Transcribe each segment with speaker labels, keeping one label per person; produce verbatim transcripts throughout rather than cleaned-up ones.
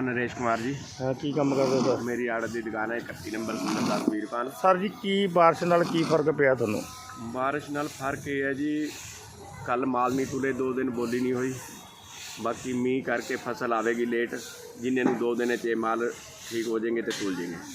Speaker 1: नाम नरेश कुमार जी।
Speaker 2: हाँ की काम करते सर?
Speaker 1: मेरी आड़त की दुकान है इकत्ती नंबर सुंदरदास वीरपान।
Speaker 2: सर जी की बारिश नाल की फर्क पिया थानू?
Speaker 1: बारिश नाल फर्क ये है जी, कल माल नहीं तुले, दो दिन बोली नहीं हुई। बाकी मीह करके फसल आवेगी लेट, जिन्हें नू दो दिन च माल ठीक हो जाएंगे तो तुल जाएंगे।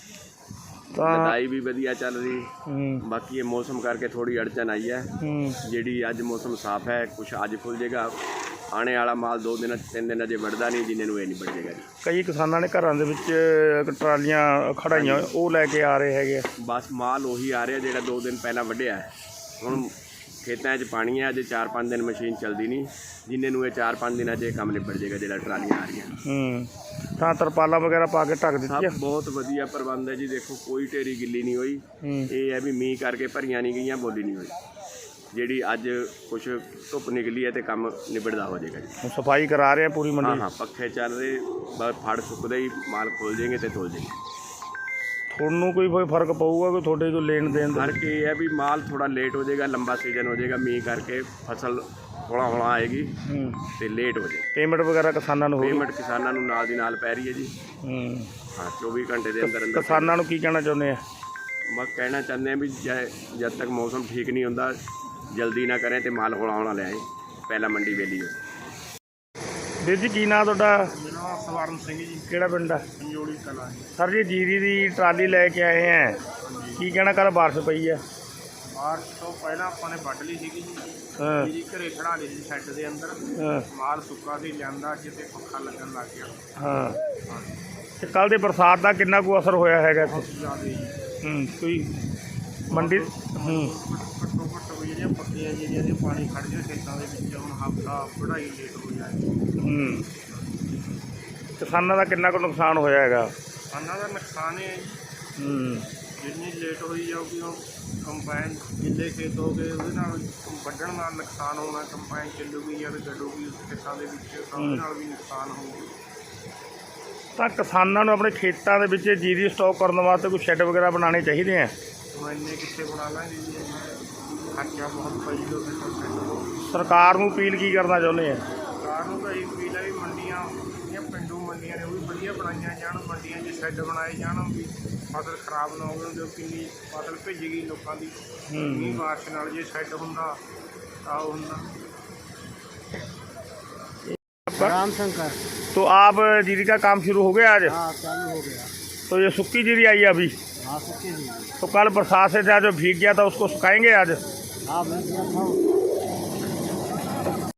Speaker 1: लदाई भी वधिया चल रही। बाकी ये मौसम करके थोड़ी अड़चन आई है, जी अज मौसम साफ है, कुछ अज खुल जाएगा। आने वाला माल दो दिन तीन दिन अजे बढ़ता नहीं, जिन्हें ये नहीं बढ़ जाएगा जी।
Speaker 2: कई किसानों ने घर के ट्रालियां खड़ाइया वो लैके आ रहे हैं,
Speaker 1: बस माल उही आ रहा जो दो दिन पहला वढ़िया है। हुण खेतों च पानी है, अजे चार पाँच दिन मशीन चलती नहीं, जिन्हें ये चार पाँच दिन अजे काम निबड़ जाएगा जो ट्रालियां आ रही हैं।
Speaker 2: ਤਾਂ ਤਰਪਾਲਾਂ वगैरह पा के ढक
Speaker 1: सब
Speaker 2: ਦਿੱਤੀ
Speaker 1: बहुत वधिया प्रबंध है जी। देखो कोई ढेरी गिली नहीं हुई, ये है भी मीह करके भरियां नहीं गई, बोली नहीं हुई। जी अज कुछ धुप निकली है तो काम निबड़दा हो जाएगा जी।
Speaker 2: सफाई करा रहे हैं पूरी मंडी?
Speaker 1: हाँ हाँ पखे चल रहे, बस फड़ सुकते ही माल खोल जाएंगे तो तुल जाएंगे।
Speaker 2: थोनू कोई कोई फर्क पऊगा कोई थोड़े कोई लेन देन?
Speaker 1: फर्क ये है भी माल थोड़ा लेट हो जाएगा, लंबा सीजन हो जाएगा, मीह करके फसल हौला हौला आएगी तो लेट हो जाएगी।
Speaker 2: पेमेंट वगैरह किसानों को?
Speaker 1: पेमेंट किसानों नाल दी नाल पै रही है जी। हाँ चौबीस घंटे के अंदर अंदर।
Speaker 2: किसानों को की कहना चाਹੁंਦੇ हैं?
Speaker 1: बस कहना चाहते हैं भी जब तक मौसम ठीक नहीं होता जल्दी ना करें तो माल हौला हौला ले आए, पहला मंडी वेली हो।
Speaker 2: ਵੀਰ ਜੀ ਕੀ ਨਾਂ ਤੁਹਾਡਾ?
Speaker 3: ਮੇਰਾ ਨਾਮ ਸਵਰਨ ਸਿੰਘ ਜੀ,
Speaker 2: ਕਿਹੜਾ ਪਿੰਡ ਹੈ?
Speaker 3: ਪੰਜੋੜੀ ਕਲਾਂ ਜੀ।
Speaker 2: ਸਰ ਜੀ ਜੀਰੀ ਦੀ ਟਰਾਲੀ ਲੈ ਕੇ ਆਏ ਹੈ, ਕੀ ਕਹਿਣਾ ਕੱਲ ਬਾਰਿਸ਼ ਪਈ ਹੈ?
Speaker 3: ਬਾਰਿਸ਼ ਤੋਂ ਪਹਿਲਾਂ ਆਪਾਂ ਨੇ ਵੱਢ ਲਈ ਸੀਗੀ ਜੀ।
Speaker 2: ਹਾਂ
Speaker 3: ਜੀ ਘਰੇ ਖੜਾ ਲਈ ਸੀ ਸ਼ੈੱਡ ਦੇ ਅੰਦਰ।
Speaker 2: ਹਾਂ
Speaker 3: ਮਾਲ ਸੁੱਕਾ ਸੀ, ਲਿਆਂਦਾ ਜਿੱਤੇ ਪੱਖਾ ਲੱਗਣ ਲੱਗ ਗਿਆ।
Speaker 2: ਹਾਂ ਤੇ ਕੱਲ ਦੇ ਬਰਸਾਤ ਦਾ ਕਿੰਨਾ ਕੁ ਅਸਰ ਹੋਇਆ ਹੈਗਾ ਇੱਥੇ?
Speaker 3: ਬਹੁਤ ਜ਼ਿਆਦਾ ਜੀ।
Speaker 2: ਹੂੰ ਕੋਈ ਮੰਡੀ ਹੂੰ
Speaker 3: ਘੱਟੋ ਘੱਟ ਵੀ ਜਿਹੜੀਆਂ ਪੱਕੀਆਂ ਜਿਹੜੀਆਂ ਦੇ ਪਾਣੀ ਖੜ ਜਾਏ ਖੇਤਾਂ ਦੇ ਵਿੱਚ, ਹੁਣ ਹਫ਼ਤਾ ਵਢਾਈ ਲੇਟ ਹੋ ਜਾਏ।
Speaker 2: ਹੂੰ ਕਿਸਾਨਾਂ ਦਾ ਕਿੰਨਾ ਕੁ ਨੁਕਸਾਨ ਹੋਇਆ ਹੈਗਾ?
Speaker 3: ਕਿਸਾਨਾਂ ਦਾ ਨੁਕਸਾਨ ਹੈ ਜੀ,
Speaker 2: ਹੂੰ
Speaker 3: ਜਿੰਨੀ ਲੇਟ ਹੋਈ ਜਾਊਗੀ ਉਹ ਕੰਬਾਈਨ ਜਿੱਲੇ ਖੇਤ ਹੋ ਗਏ ਉਹਦੇ ਨਾਲ ਵੱਢਣ ਨਾਲ ਨੁਕਸਾਨ ਹੋਣਾ। ਕੰਬਾਈਨ ਚੱਲੂਗੀ ਜਾਂ ਗੱਡੂਗੀ ਖੇਤਾਂ ਦੇ ਵਿੱਚ, ਤਾਂ ਉਹਦੇ ਨਾਲ ਵੀ ਨੁਕਸਾਨ ਹੋਊਗਾ।
Speaker 2: ਤਾਂ ਕਿਸਾਨਾਂ ਨੂੰ ਆਪਣੇ ਖੇਤਾਂ ਦੇ ਵਿੱਚ ਜੀਰੀ ਸਟਾਕ ਕਰਨ ਵਾਸਤੇ ਕੋਈ ਸ਼ੈੱਡ ਵਗੈਰਾ ਬਣਾਉਣੇ ਚਾਹੀਦੇ ਆ।
Speaker 3: ਹੁਣ ਇੰਨੇ ਕਿੱਥੇ ਬਣਾ ਲਾਂਗੇ ਜੀ, ਖਰਚਾ ਬਹੁਤ ਪਈ ਜੋ ਫਿਰ।
Speaker 2: ਸਰਕਾਰ ਨੂੰ ਅਪੀਲ ਕੀ ਕਰਨਾ ਚਾਹੁੰਦੇ ਆ?
Speaker 3: ਸਰਕਾਰ ਨੂੰ ਤਾਂ ਇਹ ਅਪੀਲ ਹੈ ਵੀ ਮੰਡੀਆਂ ਜਿਹੜੀਆਂ ਪਿੰਡੂ ਮੰਡੀਆਂ ਨੇ ਉਹ ਵੀ ਵਧੀਆ ਬਣਾਈਆਂ ਜਾਣ, ਮੰਡੀਆਂ 'ਚ ਸ਼ੈੱਡ ਬਣਾਏ ਜਾਣ ਵੀ ਫਸਲ ਖਰਾਬ ਨਾ ਹੋਵੇ। ਜੋ ਕਿੰਨੀ ਫਸਲ ਭਿੱਜ ਗਈ ਲੋਕਾਂ ਦੀ ਮੀਂਹ ਬਾਰਿਸ਼ ਨਾਲ, ਜੇ ਸ਼ੈੱਡ ਹੁੰਦਾ ਤਾਂ ਉਹ ਹੁੰਦਾ।
Speaker 4: राम शंकर।
Speaker 2: तो आप जीरी का काम शुरू हो गया आज?
Speaker 4: हाँ चालू हो गया।
Speaker 2: तो ये सूखी जीरी आई है अभी?
Speaker 4: हाँ सूखी जी।
Speaker 2: तो कल बरसात से था जो भीग गया था उसको सुखाएंगे आज?
Speaker 4: हाँ भैया था।